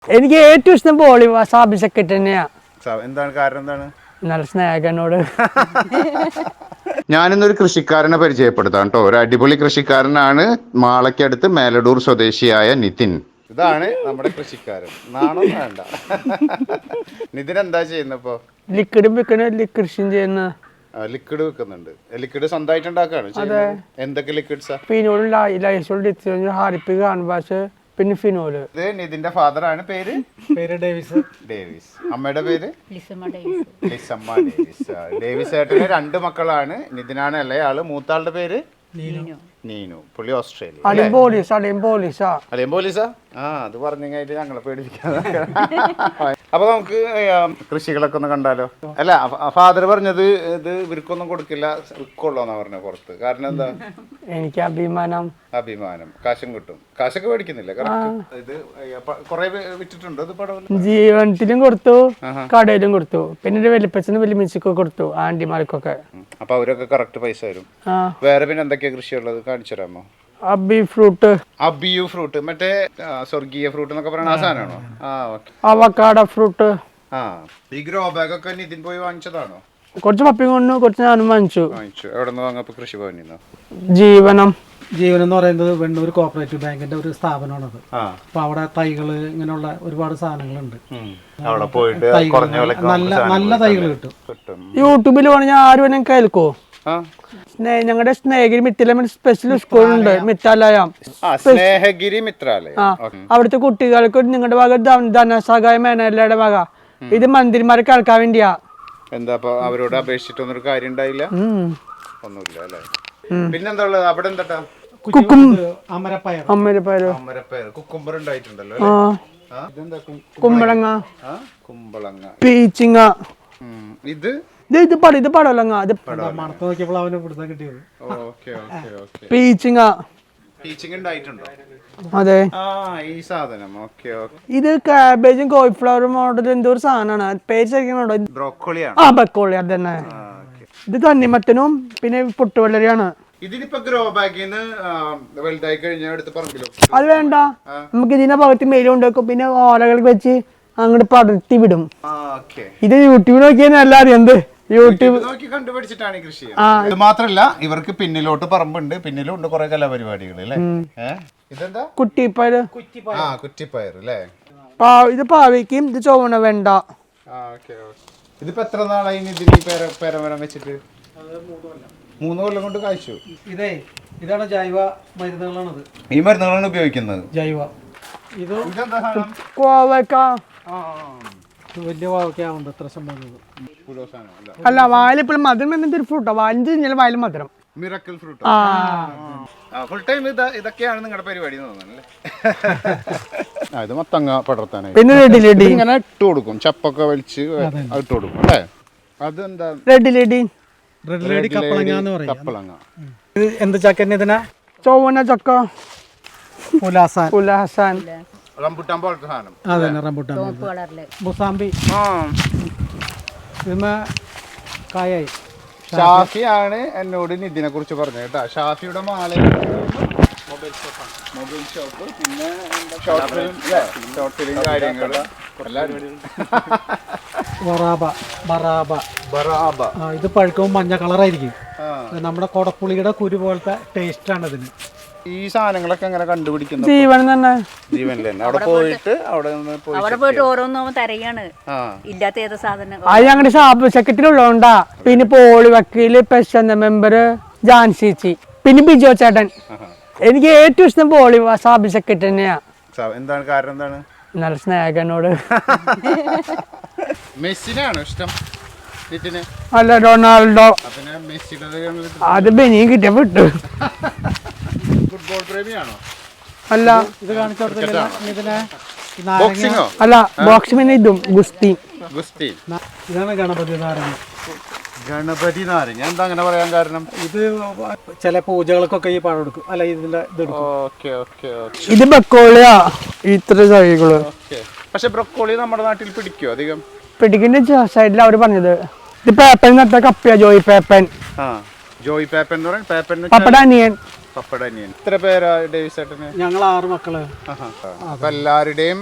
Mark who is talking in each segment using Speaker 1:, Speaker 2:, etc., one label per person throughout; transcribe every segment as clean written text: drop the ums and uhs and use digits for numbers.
Speaker 1: എനിക്ക് ഏറ്റവും ഇഷ്ടം ബോളി സാബി സെക്കറ്റ് തന്നെയാ.
Speaker 2: എന്താണ് കാരണം? എന്താണ്?
Speaker 1: നല്ല സ്നേഹനോട്.
Speaker 2: ഞാനിന്നൊരു കൃഷിക്കാരനെ പരിചയപ്പെടുത്താം കേട്ടോ. ഒരു അടിപൊളി കൃഷിക്കാരനാണ്. മാളയ്ക്കടുത്ത് മേലടൂർ സ്വദേശിയായ നിതിൻ. ഇതാണ് നമ്മുടെ കൃഷിക്കാരൻ. നാണം വേണ്ട. നിതിൻ എന്താ ചെയ്യുന്നപ്പോ?
Speaker 1: ലിക്വിഡും വിൽക്കുന്ന കൃഷിയും ചെയ്യുന്ന.
Speaker 2: ലിക്വിഡ് വെക്കുന്നുണ്ട്. ലിക്വിഡ് സ്വന്തമായിട്ട് ഉണ്ടാക്കാണ്. എന്തൊക്കെ ലിക്വിഡ്സാ?
Speaker 1: ഫിനോൾ, ലൈസോൾ, ഹാരിപ്പിക്, കാൻവാസ്, പിന്നെ ഫിനോള്.
Speaker 2: ഇത് നിതിന്റെ ഫാദർ ആണ്. പേര് ഡേവിസ്. അമ്മയുടെ പേര് ലിസമ്മ ഡേവിസ്. ഡേവിസ് ഏട്ടന് 2 മക്കളാണ്. നിതിനാണ് ഇളയാള്. മൂത്താളുടെ പേര് നീനു. പുള്ളി ഓസ്ട്രേലിയ. അളിയൻ പോലീസാ? അത് പറഞ്ഞു കഴിഞ്ഞാൽ ഞങ്ങളെ പേടിപ്പിക്കാതെ. അപ്പൊ നമുക്ക് കൃഷികളൊക്കെ ഒന്ന് കണ്ടാലോ. അല്ല, ഫാദർ പറഞ്ഞത് ഇത് ഇവർക്കൊന്നും കൊടുക്കില്ല, വിൽക്കുള്ളൂന്നാ പറഞ്ഞ പുറത്ത്. കാരണം എന്താ?
Speaker 1: എനിക്ക് അഭിമാനം.
Speaker 2: കാശും കിട്ടും. കാശൊക്കെ മേടിക്കുന്നില്ല. ഇത് കൊറേ വിറ്റിട്ടുണ്ടോ? ഇത് പടം
Speaker 1: ജീവനത്തിലും കൊടുത്തു, കടയിലും കൊടുത്തു, പിന്നെ വലിപ്പച്ചനും വലിയമിച്ചൊക്കെ കൊടുത്തു, ആന്റിമാർക്കൊക്കെ.
Speaker 2: അപ്പൊ അവരൊക്കെ കറക്റ്റ് പൈസ തരും. വേറെ പിന്നെ എന്തൊക്കെയാ കൃഷിയുള്ളത്? കാണിച്ചു തരാമോ?
Speaker 1: അബിയു
Speaker 2: ഫ്രൂട്ട് മറ്റേ സ്വർഗീയ ഫ്രൂട്ട് എന്നൊക്കെ പറയുന്ന ആ സാധനമാണോ?
Speaker 1: Avocado fruit.
Speaker 2: ഈ ഗ്രോ ബാഗ് ഒക്കെ നിതിൻ പോയി വാങ്ങിച്ചതാണോ?
Speaker 1: കുറച്ച് പപ്പിയും കൊണ്ടു, കുറച്ച് ഞാനും വാങ്ങിച്ചു.
Speaker 2: എവിടെ നിന്ന് വാങ്ങപ്പോ? കൃഷി ഭവനിൽ.
Speaker 1: ജീവനം
Speaker 3: എന്ന് പറയുന്നത് വെണ്ണൂർ കോഓപ്പറേറ്റീവ് ബാങ്കിന്റെ ഒരു സ്ഥാപനമാണത്. അപ്പൊ അവിടെ തൈകള് ഇങ്ങനെയുള്ള ഒരുപാട് സാധനങ്ങളുണ്ട്. നല്ല തൈകൾ കിട്ടും.
Speaker 1: യൂട്യൂബിൽ പറഞ്ഞാൽ ആരും എന്നെ കേൾക്കോ? ഞങ്ങളുടെ സ്നേഹഗിരി മിത്രാലയം സ്പെഷ്യൽ സ്കൂളുണ്ട്.
Speaker 2: സ്നേഹഗിരി മിത്രാലയം.
Speaker 1: അവിടുത്തെ കുട്ടികൾക്ക് നിങ്ങളുടെ വക ധനസഹായ മേനല്ലയുടെ വക. ഇത് മന്ത്രിമാരെ കേൾക്കാൻ വേണ്ടിയാ.
Speaker 2: എന്താ അവരോട് അപേക്ഷിച്ചിട്ടൊന്നും ഒരു കാര്യം ഉണ്ടായില്ല? ഒന്നുമില്ല അല്ലേ? പിന്നെന്താ ഉള്ളത് അവിടെ? എന്താ? കുക്കുംബർ ഉണ്ടായിട്ടുണ്ടല്ലോ.
Speaker 1: കുമ്പളങ്ങ, പീച്ചിങ്ങ. ഇത് പടവലങ്ങ. അതെ,
Speaker 2: ഈ സാധനം.
Speaker 1: ഇത് കാബേജും കോളിഫ്ലവറും മോഡൽ എന്തോ ഒരു സാധനമാണ്. പേര് ശരിക്കുന്നുണ്ടോ? ബ്രോക്കോളി. അത് തന്നെ. ഇത് തണ്ണിമത്തനും പിന്നെ പൊട്ടുവെള്ളരിയാണ്.
Speaker 2: ഇതിനിപ്പോ ഗ്രോ ബാഗിന്ന് വലുതായി കഴിഞ്ഞാൽ എടുത്ത് പറമ്പിലോ?
Speaker 1: അത് വേണ്ട, നമുക്ക് ഇതിന്റെ ഭാഗത്ത് മേലുണ്ടാക്കും, പിന്നെ ഓലകൾ വെച്ച് അങ്ങോട്ട് പടർത്തി വിടും. ഇത് യൂട്യൂബിൽ നോക്കിയാൽ നല്ല അറിയാം. എന്ത് യൂട്യൂബ്
Speaker 2: നോക്കി കണ്ടുപിടിച്ചിട്ടാണ് കൃഷി. ഇത് മാത്രല്ല, ഇവർക്ക് പിന്നിലോട്ട് പറമ്പുണ്ട്. പിന്നിലും ഉണ്ട് കുറെ കലാപരിപാടികൾ അല്ലേ? ഇതെന്താ?
Speaker 1: കുറ്റിപ്പയർ.
Speaker 2: കുറ്റിപ്പയർ അല്ലേ?
Speaker 1: ഇത് പാവയ്ക്കും. ഇത് ചുവന്ന വെണ്ട.
Speaker 2: ഇതിപ്പോ എത്ര നാളായി ഇതിന് പേരമരം വെച്ചിട്ട്? 3 കൊല്ലം കൊണ്ട് കായ്ച്ചു.
Speaker 3: ഇതാണ് ജൈവ മരുന്നുകളാണത്.
Speaker 2: ഈ മരുന്നുകളാണ് ഉപയോഗിക്കുന്നത്.
Speaker 3: ജൈവ. ഇത്
Speaker 1: കോവക്ക.
Speaker 3: വലിയ കോവയ്ക്കാവുണ്ട് എത്ര സംഭവം.
Speaker 1: അല്ല, വായിലിപ്പോഴും മധുരം എന്നൊരു ഫ്രൂട്ടോ. വാലിന് തിന്നാലും വായിൽ മധുരം.
Speaker 2: Miracle fruit. ഫുൾ ടൈം ഇതൊക്കെയാണ് നിങ്ങളുടെ പരിപാടി തോന്നുന്നല്ലേ? ഇത് മത്തങ്ങ പടർത്താനായി.
Speaker 1: പിന്നെ
Speaker 2: ഇങ്ങനെ ഇട്ട് കൊടുക്കും. ചപ്പൊക്കെ വലിച്ച് ഇട്ട് കൊടുക്കും അല്ലേ? അതെന്താ?
Speaker 1: Red lady.
Speaker 2: കപ്പളങ്ങ.
Speaker 3: എന്ത് ചക്കന്നെ? ഇതിനാ
Speaker 1: ചുവന്ന ചക്ക. പുലാസാൻ.
Speaker 2: റംബുട്ടാൻ പോലത്തെ സാധനം.
Speaker 3: അതന്നെ, റംബുട്ടാൻ. മുസാമ്പി. കായായി.
Speaker 2: ഷാഫിയാണ് എന്നോട് നിതിനെ കുറിച്ച് പറഞ്ഞത് കേട്ടോ. ഷാഫിയുടെ മാല മൊബൈൽ ഷോപ്പ്, പിന്നെ ഷോർട്ട് ഫിലിം കാര്യങ്ങൾ.
Speaker 3: ഇത് പഴുക്കുമ്പോൾ മഞ്ഞ കളറായിരിക്കും. നമ്മുടെ കൊടപ്പുളിയുടെ കുരു പോലത്തെ ടേസ്റ്റ് ആണ് ഇതിന്.
Speaker 2: ഈ സാധനങ്ങളൊക്കെ എങ്ങനെ കണ്ടുപിടിക്കുന്നു?
Speaker 1: ജീവൻ തന്നെ.
Speaker 2: ജീവനിൽ തന്നെ അവിടെ പോയിട്ട്
Speaker 4: ഓരോന്നും തരയാണ്. ഇല്ലാത്ത ഏത് സാധനം
Speaker 1: അത് ഞങ്ങളുടെ ഷാപ്പ് സെക്രട്ടറിയുള്ളതുകൊണ്ടാ. പിന്നെ പോളി വക്കീല്, പെശന്ത മെമ്പർ, ജാൻസിച്ചി, പിന്നെ ബിജോ ചേട്ടൻ. എനിക്ക് ഏറ്റവും ഇഷ്ടം പോളി സാബി സെക്രട്ടറി തന്നെയാ.
Speaker 2: എന്താണ് കാരണം? എന്താണ്?
Speaker 1: നല്ല സ്നേഹനോട്.
Speaker 2: മെസ്സിനാണോ ഇഷ്ടം?
Speaker 1: അല്ല, റൊണാൾഡോ. അത് ബെനിയും കിട്ടിയ വിട്ടു.
Speaker 2: ഫുട്ബോൾ പ്രേമിയാണോ?
Speaker 1: അല്ല,
Speaker 3: ഇത് കാണിച്ചു.
Speaker 1: അല്ല, ബോക്സിംഗ്. പിന്നെ ഇതും ഗുസ്തി.
Speaker 3: ഇതാണ് ഗണപതി നാരങ്ങ.
Speaker 2: ഗണപതി നാരങ്ങ എന്താ അങ്ങനെ പറയാൻ കാരണം?
Speaker 3: ഇത് ചില പൂജകൾക്കൊക്കെ ഈ പഴം എടുക്കും. അല്ല, ഇതിന്റെ
Speaker 1: ഇത് ബ്രൊക്കോളിയാ. ഇത്ര തൈകള്.
Speaker 2: പക്ഷെ ബ്രൊക്കോളി നമ്മുടെ നാട്ടിൽ പിടിക്കോ? അധികം
Speaker 1: പിടിക്കുന്ന സൈഡിൽ അവര് പറഞ്ഞത്. ഇത് പേപ്പൻ നട്ട കപ്പയാ. ജോയ് പേപ്പൻ.
Speaker 2: ജോയ് പേപ്പൻ എന്ന് പറയാൻ
Speaker 1: പപ്പടനിയൻ.
Speaker 2: എത്ര പേരാ ഡേവിസ് ചേട്ടന്?
Speaker 3: ഞങ്ങൾ 6 മക്കള്.
Speaker 2: അപ്പൊ എല്ലാവരുടെയും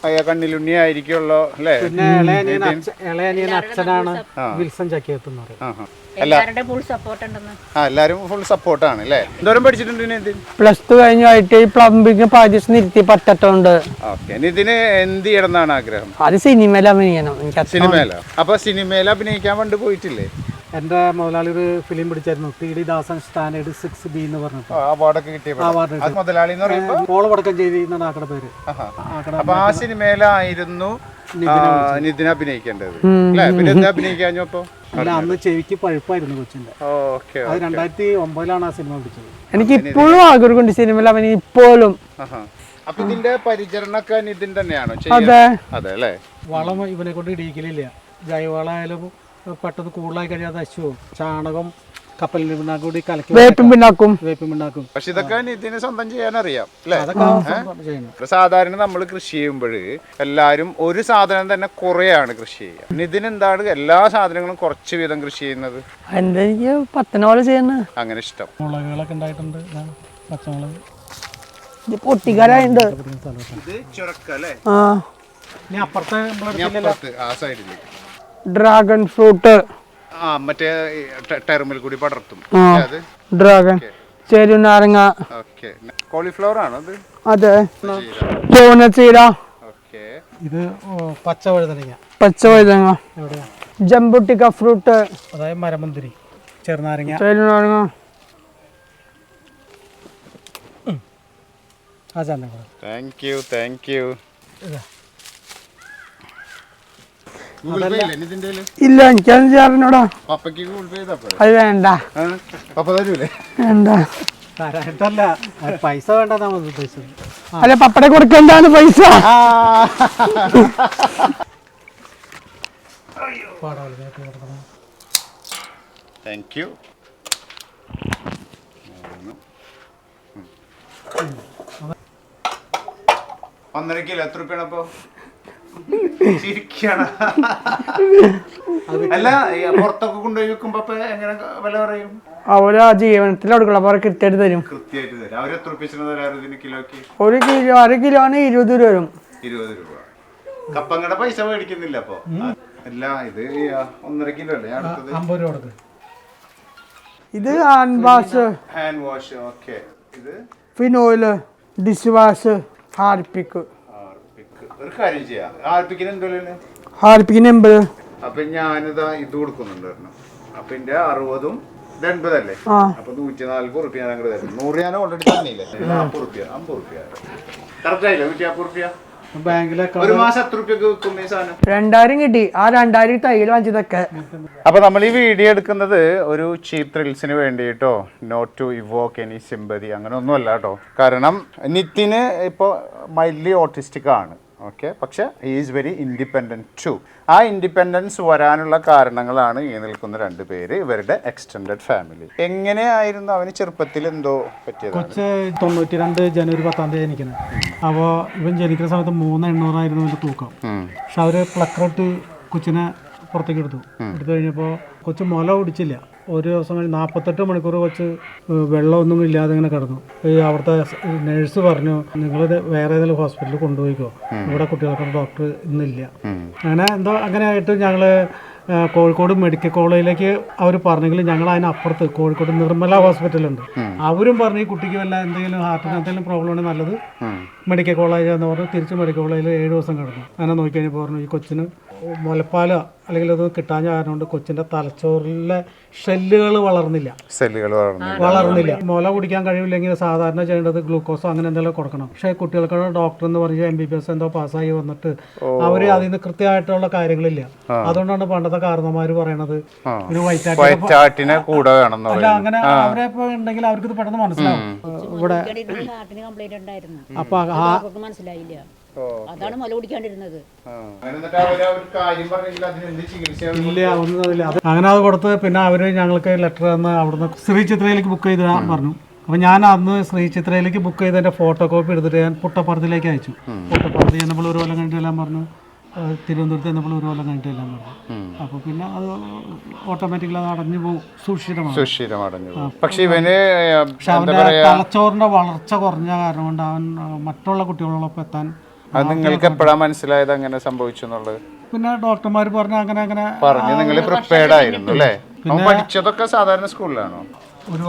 Speaker 2: കണ്ണിലുണ്ണി ആയിരിക്കുമല്ലോ അല്ലേ?
Speaker 3: പിന്നെ ഇളയനിയൻ അച്ഛനാണ് വിൽസൺ ചക്കിയത്ത് എന്ന് പറയും.
Speaker 4: എല്ലാവരുടെ ഫുൾ സപ്പോർട്ട് ഉണ്ടെന്ന്.
Speaker 2: എല്ലാരും ഫുൾ സപ്പോർട്ടാണ് അല്ലേ? എന്തോരം പഠിച്ചിട്ടുണ്ട് നിതിൻ?
Speaker 1: +2 കഴിഞ്ഞായിട്ട് ഈ പ്ലംബിംഗ് പാചകം നിർത്തി പറ്റത്തോണ്ട്.
Speaker 2: ഓക്കെ, നിതിന് എന്ത് ചെയ്യണമെന്നാണ് ആഗ്രഹം?
Speaker 1: അത് സിനിമയിൽ അഭിനയിക്കണം. എനിക്ക്
Speaker 2: സിനിമയിലോ? അപ്പൊ സിനിമയിൽ അഭിനയിക്കാൻ പണ്ട് പോയിട്ടില്ലേ?
Speaker 3: എന്റെ മുതലാളി ഒരു ഫിലിം പിടിച്ചായിരുന്നു, ടി.ഡി. ദാസൻ സ്റ്റാൻഡേർഡ് 6B എന്ന് പറഞ്ഞിട്ട്.
Speaker 2: അവാർഡൊക്കെ കിട്ടിയ മുതലാളി എന്ന് പറയുമ്പോ
Speaker 3: മോളവടക്കഞ്ചേരി എന്നാണ് ആക്കടെ പേര്.
Speaker 2: അപ്പൊ ആ സിനിമയിലായിരുന്നു നിതിൻ അഭിനയിക്കേണ്ടത് അല്ലേ? പിന്നെ എന്താ അഭിനയിക്കാഞ്ഞപ്പോ?
Speaker 3: അല്ല, അന്ന് ചെവിക്ക് പഴുപ്പായിരുന്നു കൊച്ചിന്റെ. അത് 2009 ആ സിനിമ പിടിച്ചത്.
Speaker 1: എനിക്ക് ഇപ്പോഴും ആഗ്രഹമുണ്ട് സിനിമയിൽ അവന് ഇപ്പോഴും.
Speaker 2: അപ്പൊ ഇതിന്റെ പരിചരണമൊക്കെ നിതിൻ തന്നെയാണോ?
Speaker 1: അതെ
Speaker 2: അതെ അല്ലേ?
Speaker 3: വളം ഇവനെ കൊണ്ട് ഇടിയിക്കലില്ല. ജൈവവളമായാലും പെട്ടെന്ന് കൂടുതലായി കഴിയാതെ അശുവും ചാണകം കപ്പലിന് പിണ്ണാക്കും കൂടി കലക്കി
Speaker 1: വേപ്പിൻ പിണ്ണാക്കും.
Speaker 2: പക്ഷെ ഇതൊക്കെ നിതിന് സ്വന്തം ചെയ്യാനറിയാം അല്ലേ?
Speaker 3: ചെയ്യുന്നു.
Speaker 2: സാധാരണ നമ്മൾ കൃഷി ചെയ്യുമ്പോൾ എല്ലാവരും ഒരു സാധനം തന്നെ കുറെയാണ് കൃഷി ചെയ്യുക. നിതിന് എന്താണ് എല്ലാ സാധനങ്ങളും കുറച്ച് വീതം കൃഷി ചെയ്യുന്നത്?
Speaker 1: എന്താ എനിക്ക് പത്തനോളം ചെയ്യുന്നത്
Speaker 2: അങ്ങനെ ഇഷ്ടം.
Speaker 3: മുളകുകളൊക്കെ ഉണ്ടായിട്ടുണ്ട്, പച്ചമുളക്.
Speaker 1: ഇത് പൊട്ടിക്കാരായിട്ടുണ്ട്.
Speaker 2: ഇത് ചുരക്കല്ലേ?
Speaker 1: ആ,
Speaker 3: ഇനി അപ്പുറത്തെ
Speaker 2: ആ സൈഡില്
Speaker 1: ഡ്രാഗൺ ഫ്രൂട്ട്.
Speaker 2: മറ്റേ ടെർമിൽ കൂടി പടർത്തും.
Speaker 1: ഡ്രാഗൺ, ചെറുനാരങ്ങ.
Speaker 2: കോളിഫ്ലവർ ആണോ അത്?
Speaker 1: അതെ, ചൂനച്ചീര.
Speaker 3: ഇത് പച്ച വഴുതനങ്ങ.
Speaker 1: പച്ചവഴുതനങ്ങ.
Speaker 3: എവിടെയാ?
Speaker 1: ജംബുട്ടിക്ക ഫ്രൂട്ട്,
Speaker 3: അതായത് മരമുന്തിരി, ചെറുനാരങ്ങ.
Speaker 1: ചെറുനാരങ്ങ.
Speaker 3: ആ ചാനൽ
Speaker 2: താങ്ക് യു.
Speaker 1: ഇല്ല, എനിക്കത് ചേർന്നോടാ.
Speaker 2: പപ്പയ്ക്ക് ഗൂഗിൾ പേ ചെയ്താ പോരെ?
Speaker 1: അത് വേണ്ട.
Speaker 2: പപ്പ തരൂലേ?
Speaker 1: വേണ്ട.
Speaker 3: തരായിട്ടല്ല, പൈസ വേണ്ടെന്നാ ഉദ്ദേശിച്ചത്.
Speaker 1: അല്ല, പപ്പടെ കൊടുക്കേണ്ടാണ് പൈസ.
Speaker 2: Thank you. ഒന്നര കിലോ എത്ര രൂപയാണ് അപ്പൊ? ചിരിക്കാണ്. അല്ല, പുറത്തൊക്കെ കൊണ്ടുപോയി വെക്കുമ്പോ എങ്ങനെ വില പറയും?
Speaker 1: അവര് ആ ജീവനത്തിൽ കൊടുക്കണം, അപ്പൊ കൃത്യമായിട്ട് തരും.
Speaker 2: കൃത്യമായിട്ട് തരും. അവര് എത്ര രൂപ തരാറ് ഇതിന് കിലോക്ക്?
Speaker 1: 1 കിലോ 1 കിലോന് 20 രൂപ വരും.
Speaker 2: 20 രൂപ. കപ്പങ്ങടെ പൈസ മേടിക്കുന്നില്ല അപ്പൊ? അല്ല, ഇത് 1.5 കിലോ അല്ലേ അടുത്തത്?
Speaker 3: 50 രൂപ കൊടുത്ത്.
Speaker 1: ഇത് ഹാൻഡ്
Speaker 2: വാഷ്. ഓക്കെ. ഇത്
Speaker 1: ഫിനോയില്, ഡിഷ് വാഷ്, ഹാർപ്പിക്ക്.
Speaker 2: ഒരു കാര്യം ചെയ്യാം, ഹാർപ്പിക്കിന് എന്തോ
Speaker 1: ഹാർപ്പിക്കിന് 80.
Speaker 2: അപ്പൊ ഞാനിതാ ഇത് കൊടുക്കുന്നുണ്ടായിരുന്നു. അപ്പൊ എന്റെ 60ഉം 80 അല്ലേ? അപ്പൊ 140 റുപ്യ ഞാൻ അങ്ങോട്ട് തരും. 100 ഞാൻ ഓൾറെഡി തന്നില്ലേ? 40 റുപ്യ 50 റുപ്യ കറക്റ്റ് ആയില്ലേ? 150 റുപ്യ.
Speaker 3: ബാങ്കിലൊക്കെ
Speaker 2: ഒരു മാസം എത്ര റുപ്യക്ക് വെക്കും ഈ സാധനം?
Speaker 1: 2000 കിട്ടി. ആ 2000 തൈല് വാങ്ങിച്ചതൊക്കെ.
Speaker 2: അപ്പൊ നമ്മൾ ഈ വീഡിയോ എടുക്കുന്നത് ഒരു ചീപ്പ് ത്രിൽസിന് വേണ്ടിയിട്ടോ, not to evoke any sympathy, അങ്ങനെ ഒന്നും അല്ല കേട്ടോ. കാരണം നിതിന് ഇപ്പോൾ മൈൽഡ്ലി ഓട്ടിസ്റ്റിക് ആണ്. ഓക്കെ, പക്ഷെ he is very independent too. ആ ഇൻഡിപെൻഡൻസ് വരാനുള്ള കാരണങ്ങളാണ് ഈ നിൽക്കുന്ന 2 പേര്, ഇവരുടെ എക്സ്റ്റെൻഡഡ് ഫാമിലി. എങ്ങനെയായിരുന്നു അവന് ചെറുപ്പത്തിൽ എന്തോ പറ്റിയത്?
Speaker 3: കൊച്ച് 92 ജനുവരി 10 ജനിക്കുന്നത്. അപ്പോൾ ഇവൻ ജനിക്കുന്ന സമയത്ത് 3,800 ആയിരുന്നു അവൻ്റെ തൂക്കം. പക്ഷെ അവർ പ്ലക്കറിട്ട് കൊച്ചിനെ പുറത്തേക്ക് എടുത്തു കഴിഞ്ഞപ്പോൾ കൊച്ച് മുല കുടിച്ചില്ല. ഒരു ദിവസം കഴിഞ്ഞ് 48 മണിക്കൂർ കൊച്ച് വെള്ളമൊന്നും ഇല്ലാതെ ഇങ്ങനെ കിടന്നു. ഈ അവിടുത്തെ നേഴ്സ് പറഞ്ഞു, നിങ്ങൾ വേറെ ഏതെങ്കിലും ഹോസ്പിറ്റലിൽ കൊണ്ടുപോയിക്കോ, ഇവിടെ കുട്ടികൾക്കൊന്നും ഡോക്ടർ ഇന്നില്ല. അങ്ങനെ ആയിട്ട് ഞങ്ങൾ കോഴിക്കോട് മെഡിക്കൽ കോളേജിലേക്ക് അവർ പറഞ്ഞെങ്കിൽ ഞങ്ങൾ അതിനപ്പുറത്ത് കോഴിക്കോട് നിർമ്മല ഹോസ്പിറ്റലുണ്ട്, അവരും പറഞ്ഞു ഈ കുട്ടിക്ക് വല്ല എന്തെങ്കിലും ഹാർട്ടിന് എന്തെങ്കിലും പ്രോബ്ലം ആണെങ്കിൽ നല്ലത് മെഡിക്കൽ കോളേജ് എന്ന് പറഞ്ഞു. തിരിച്ച് മെഡിക്കൽ കോളേജിൽ 7 ദിവസം കിടന്നു. അങ്ങനെ നോക്കിക്കഴിഞ്ഞപ്പോൾ പറഞ്ഞു ഈ കൊച്ചിന് മുലപ്പാല അല്ലെങ്കിൽ അത് കിട്ടാൻ കാരണം കൊണ്ട് കൊച്ചിന്റെ തലച്ചോറിലെ ഷെല്ലുകൾ വളർന്നില്ല. മുല കുടിക്കാൻ കഴിവില്ലെങ്കിൽ സാധാരണ ചെയ്യേണ്ടത് ഗ്ലൂക്കോസോ അങ്ങനെ എന്തെങ്കിലും കൊടുക്കണം. പക്ഷേ കുട്ടികൾക്കുള്ള ഡോക്ടർ എന്ന് പറഞ്ഞ് MBBS എന്തോ പാസ്സായി വന്നിട്ട് അവര് അതിൽ നിന്ന് കൃത്യമായിട്ടുള്ള കാര്യങ്ങളില്ല. അതുകൊണ്ടാണ് പണ്ടത്തെ കാരണന്മാര് പറയണത് ഒരു
Speaker 2: വൈറ്റാട്ടിനെ കൂടെ വേണം.
Speaker 3: അല്ല, അങ്ങനെ അവരെ ഇപ്പൊ ഉണ്ടെങ്കിൽ അവർക്ക് ഇത് പെട്ടെന്ന് മനസ്സിലാവും. ഇവിടെ അപ്പൊ
Speaker 4: മനസ്സിലായില്ല, അതാണ് മുല കുടിക്കാണ്ടിരുന്നത്.
Speaker 3: ഇല്ല, ഒന്നുമില്ല. അങ്ങനെ അത് കൊടുത്ത് പിന്നെ അവര് ഞങ്ങൾക്ക് ലെറ്റർ തന്ന് അവിടുന്ന് ശ്രീ ചിത്രയിലേക്ക് ബുക്ക് ചെയ്ത് പറഞ്ഞു. അപ്പം ഞാൻ അന്ന് ശ്രീ ചിത്രയിലേക്ക് ബുക്ക് ചെയ്തതിൻ്റെ ഫോട്ടോ കോപ്പി എടുത്തിട്ട് ഞാൻ പുട്ടപ്പുറത്തിലേക്ക് അയച്ചു. പുട്ടപ്പുറത്ത് ചെന്നപ്പോൾ 1 കൊല്ലം കഴിഞ്ഞിട്ട് എല്ലാം പറഞ്ഞു, തിരുവനന്തപുരത്ത് ചെന്നപ്പോൾ 1 കൊല്ലം കഴിഞ്ഞിട്ട് എല്ലാം പറഞ്ഞു. അപ്പോൾ പിന്നെ അത് ഓട്ടോമാറ്റിക്കലി അത് അടഞ്ഞു പോകും, സുഷിരമാണ്.
Speaker 2: പക്ഷെ ഇവന്
Speaker 3: അവൻ്റെ തലച്ചോറിൻ്റെ വളർച്ച കുറഞ്ഞ കാരണം കൊണ്ട് അവൻ മറ്റുള്ള കുട്ടികളോടൊപ്പം എത്താൻ
Speaker 2: അത് നിങ്ങൾക്ക് എപ്പോഴാ മനസ്സിലായത് അങ്ങനെ സംഭവിച്ചു എന്നുള്ളത്?
Speaker 3: പിന്നെ ഡോക്ടർമാർ പറഞ്ഞു അങ്ങനെ അങ്ങനെ
Speaker 2: പറഞ്ഞു നിങ്ങൾ പ്രിപ്പയർഡ് ആയിരുന്നു അല്ലേ? അവൻ പഠിച്ചതൊക്കെ സാധാരണ സ്കൂളിലാണോ?
Speaker 3: ഒരു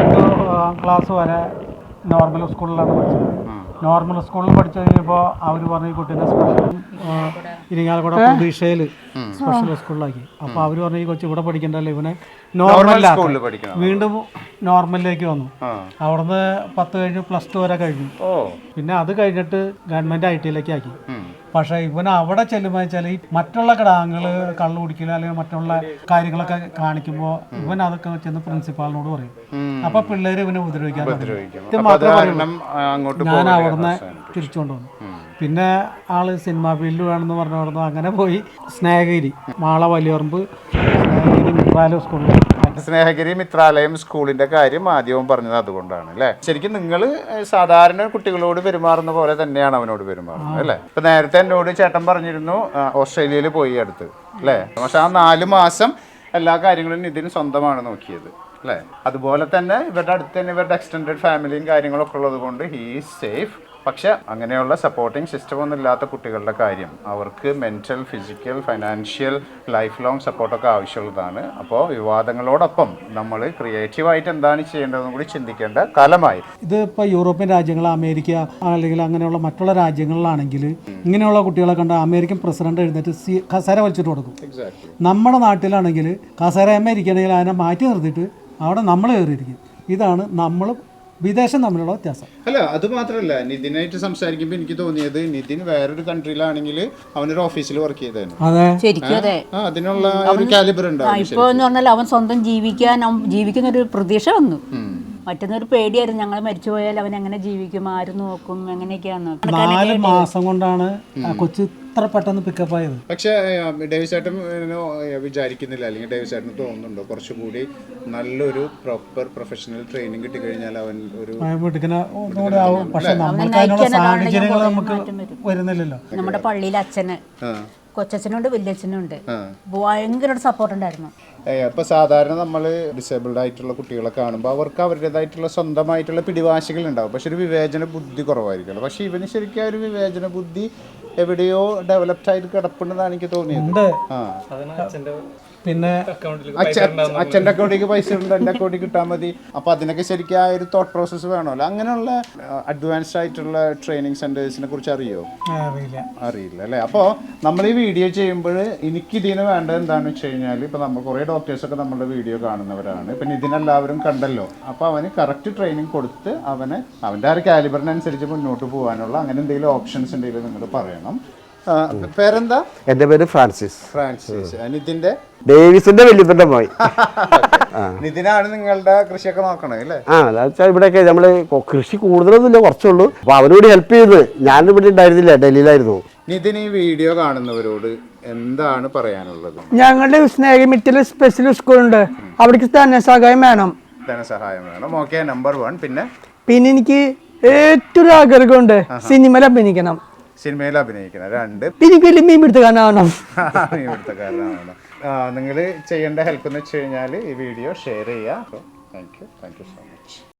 Speaker 3: 2 ക്ലാസ് വരെ നോർമൽ സ്കൂളിലാണ് പഠിച്ചത്. നോർമൽ സ്കൂളിൽ പഠിച്ചു കഴിഞ്ഞപ്പോൾ അവർ പറഞ്ഞു ഈ കുട്ടീനെ സ്പെഷ്യൽ ഇരിങ്ങാലക്കുട പ്രതീക്ഷയിൽ സ്പെഷ്യൽ സ്കൂളിലാക്കി. അപ്പോൾ അവർ പറഞ്ഞു ഈ കൊച്ചു ഇവിടെ പഠിക്കണ്ടല്ലോ, ഇവനെ നോർമലിലാക്കി. വീണ്ടും നോർമലിലേക്ക് വന്നു. അവിടുന്ന് 10 കഴിഞ്ഞ് +2 വരെ കഴിഞ്ഞു. പിന്നെ അത് കഴിഞ്ഞിട്ട് ഗവൺമെൻറ് IT-യിലേക്ക് ആക്കി. പക്ഷേ ഇവൻ അവിടെ ചെല്ലുമ്പോൾ വെച്ചാൽ ഈ മറ്റുള്ള കിടാങ്ങൾ കള്ളു കുടിക്കില്ല അല്ലെങ്കിൽ മറ്റുള്ള കാര്യങ്ങളൊക്കെ കാണിക്കുമ്പോൾ ഇവൻ അതൊക്കെ ചെന്ന് പ്രിൻസിപ്പാളിനോട് പറയും. അപ്പൊ പിള്ളേര് ഇവനെ ഉപദ്രവിക്കാൻ ഇത് മാത്രമേ ഞാൻ അവിടുന്ന് തിരിച്ചുകൊണ്ട് വന്നു. പിന്നെ ആള് സിനിമാ ഫീൽഡ് വേണമെന്ന് പറഞ്ഞു അങ്ങനെ പോയി സ്നേഹഗിരി മാള വലിയറമ്പ് സ്നേഹഗിരി മിത്രാലയം സ്കൂളിൽ.
Speaker 2: സ്നേഹഗിരി മിത്രാലയം സ്കൂളിന്റെ കാര്യം ആദ്യവും പറഞ്ഞത് അതുകൊണ്ടാണ് അല്ലേ? ശരിക്കും നിങ്ങൾ സാധാരണ കുട്ടികളോട് പെരുമാറുന്ന പോലെ തന്നെയാണ് അവനോട് പെരുമാറുന്നത് അല്ലേ? ഇപ്പൊ നേരത്തെ എന്നോട് ചേട്ടൻ പറഞ്ഞിരുന്നു ഓസ്ട്രേലിയയിൽ പോയി അടുത്ത് അല്ലേ? പക്ഷെ ആ 4 മാസം എല്ലാ കാര്യങ്ങളും ഇതിന് സ്വന്തമാണ് നോക്കിയത് അല്ലേ? അതുപോലെ തന്നെ ഇവരുടെ അടുത്ത് തന്നെ ഇവരുടെ എക്സ്റ്റെൻഡഡ് ഫാമിലിയും കാര്യങ്ങളൊക്കെ ഉള്ളത് കൊണ്ട് ഹീ ഈസ് സേഫ്. പക്ഷെ അങ്ങനെയുള്ള സപ്പോർട്ടിങ് സിസ്റ്റം ഒന്നും ഇല്ലാത്ത കുട്ടികളുടെ കാര്യം അവർക്ക് mental, physical, financial, life long സപ്പോർട്ടൊക്കെ ആവശ്യമുള്ളതാണ്. അപ്പോൾ വിവാദങ്ങളോടൊപ്പം നമ്മൾ ക്രിയേറ്റീവായിട്ട് എന്താണ് ചെയ്യേണ്ടതെന്നും കൂടി ചിന്തിക്കേണ്ട കാലമായി.
Speaker 3: ഇത് ഇപ്പോൾ യൂറോപ്യൻ രാജ്യങ്ങൾ, അമേരിക്ക അല്ലെങ്കിൽ അങ്ങനെയുള്ള മറ്റുള്ള രാജ്യങ്ങളിലാണെങ്കിൽ ഇങ്ങനെയുള്ള കുട്ടികളെ കണ്ട അമേരിക്കൻ പ്രസിഡന്റ് എഴുന്നേറ്റ് കസേര വലിച്ചിട്ട് കൊടുക്കും. നമ്മുടെ നാട്ടിലാണെങ്കിൽ കസേര ഇരിക്കണമെങ്കിൽ അതിനെ മാറ്റി നിർത്തിയിട്ട് അവിടെ നമ്മൾ കയറിയിരിക്കും. ഇതാണ് നമ്മൾ വിദേശം തമ്മിലുള്ള വ്യത്യാസം.
Speaker 2: അല്ല, അത് മാത്രമല്ല, നിതിനായിട്ട് സംസാരിക്കുമ്പോൾ എനിക്ക് തോന്നിയത് നിതിൻ വേറൊരു കൺട്രിയിലാണെങ്കിൽ അവനൊരു ഓഫീസിൽ വർക്ക് ചെയ്തായിരുന്നു. അതിനുള്ള ഒരു കാലിബർ ഉണ്ടാവും.
Speaker 4: ഇപ്പൊ എന്ന് പറഞ്ഞാൽ അവൻ സ്വന്തം ജീവിക്കുന്ന ഒരു പ്രതീക്ഷ വന്നു. മറ്റൊന്നൊരു പേടിയായിരുന്നു, ഞങ്ങൾ മരിച്ചു പോയാൽ അവൻ എങ്ങനെ ജീവിക്കും, ആര് നോക്കും, എങ്ങനെയൊക്കെയാന്ന്.
Speaker 3: 4 മാസം കൊണ്ടാണ് കൊച്ചു ഇത്ര പെട്ടെന്ന് പിക്കപ്പ് ആയത്.
Speaker 2: പക്ഷെ ഡേവിസ് ചേട്ടൻ വിചാരിക്കുന്നില്ല, അല്ലെങ്കിൽ ഡേവിസ് ചേട്ടന് തോന്നുന്നുണ്ടോ കുറച്ചുകൂടി നല്ലൊരു പ്രോപ്പർ പ്രൊഫഷണൽ ട്രെയിനിങ് കിട്ടിക്കഴിഞ്ഞാൽ അവൻ ഒരു
Speaker 3: പക്ഷെ നമ്മൾക്ക് അതിനുള്ള സാഹചര്യങ്ങൾ നമുക്ക് വരുന്നില്ലല്ലോ.
Speaker 4: നമ്മുടെ പള്ളിയിലെ അച്ഛന് കൊച്ചച്ഛനുണ്ട്, വലിയച്ഛനുണ്ട്, ഭയങ്കര സപ്പോർട്ട് ഉണ്ടായിരുന്നു.
Speaker 2: ഇപ്പൊ സാധാരണ നമ്മൾ ഡിസേബിൾഡ് ആയിട്ടുള്ള കുട്ടികളെ കാണുമ്പോൾ അവർക്ക് അവരുടേതായിട്ടുള്ള സ്വന്തമായിട്ടുള്ള പിടിവാശികൾ ഉണ്ടാവും. പക്ഷെ ഒരു വിവേചന ബുദ്ധി കുറവായിരിക്കുമല്ലോ. പക്ഷെ ഇവന് ശരിക്കും ആ ഒരു വിവേചന ബുദ്ധി എവിടെയോ ഡെവലപ്ഡ് ആയിട്ട് കിടപ്പുണ്ടെന്നാണ് എനിക്ക് തോന്നിയത്.
Speaker 3: പിന്നെ
Speaker 2: അച്ഛൻ്റെ അക്കൗണ്ടിലേക്ക് പൈസ ഉണ്ട്, എൻ്റെ അക്കൗണ്ടിൽ കിട്ടാൻ മതി. അപ്പൊ അതിനൊക്കെ ശരിക്കും ആ ഒരു തോട്ട് പ്രോസസ്സ് വേണമല്ലോ. അങ്ങനെയുള്ള അഡ്വാൻസ്ഡ് ആയിട്ടുള്ള ട്രെയിനിങ് സെന്റേഴ്സിനെ കുറിച്ച് അറിയില്ല അല്ലേ? അപ്പോൾ നമ്മൾ ഈ വീഡിയോ ചെയ്യുമ്പോൾ എനിക്കിതിന് വേണ്ടത് എന്താണെന്ന് വെച്ച് കഴിഞ്ഞാൽ, ഇപ്പൊ നമ്മൾ കുറേ ഡോക്ടേഴ്സൊക്കെ നമ്മളുടെ വീഡിയോ കാണുന്നവരാണ്. ഇപ്പം ഇതിനെല്ലാവരും കണ്ടല്ലോ. അപ്പോൾ അവന് കറക്റ്റ് ട്രെയിനിങ് കൊടുത്ത് അവന് അവൻ്റെ ആ ഒരു കാലിബറിനനുസരിച്ച് മുന്നോട്ട് പോകാനുള്ള അങ്ങനെ എന്തെങ്കിലും ഓപ്ഷൻസ് ഉണ്ടെങ്കിൽ നിങ്ങൾ പറയണം. പേരെന്താ?
Speaker 5: എന്റെ പേര് ഫ്രാൻസിസ്.
Speaker 2: നിതിന്റെ
Speaker 5: ഡേവിസിന്റെ വല്യപ്പന്റെ മോൻ.
Speaker 2: നിതിനാണ് നിങ്ങളുടെ കൃഷിയൊക്കെ നോക്കണേ അല്ലേ?
Speaker 5: അതാ ഇവിടെയൊക്കെ നമ്മള് കൃഷി കൂടുതലൊന്നുമില്ല, കുറച്ചുള്ളൂ. അപ്പൊ അവനോട് ഹെൽപ്പ് ചെയ്ത്. ഞാൻ ഇവിടെ ഉണ്ടായിരുന്നില്ല, ഡൽഹിയിലായിരുന്നു.
Speaker 2: നിതിൻ ഈ വീഡിയോ കാണുന്നവരോട് എന്താണ് പറയാനുള്ളത്?
Speaker 1: ഞങ്ങളുടെ സ്നേഹമിറ്റിൽ സ്പെഷ്യൽ സ്കൂളുണ്ട്, അവിടേക്ക് ധനസഹായം വേണം.
Speaker 2: ധനസഹായം വേണം. Okay, number 1.
Speaker 1: പിന്നെ എനിക്ക് ഏറ്റവും ആഗ്രഹമുണ്ട് സിനിമയിൽ അഭിനയിക്കണം.
Speaker 2: സിനിമയിൽ അഭിനയിക്കണം. 2
Speaker 1: പിന്നെ മീൻപിടുത്തക്കാരനാവണം.
Speaker 2: നിങ്ങൾ ചെയ്യേണ്ട ഹെൽപ്പ് എന്ന് വെച്ച് കഴിഞ്ഞാൽ ഈ വീഡിയോ ഷെയർ ചെയ്യുക. Thank you so much.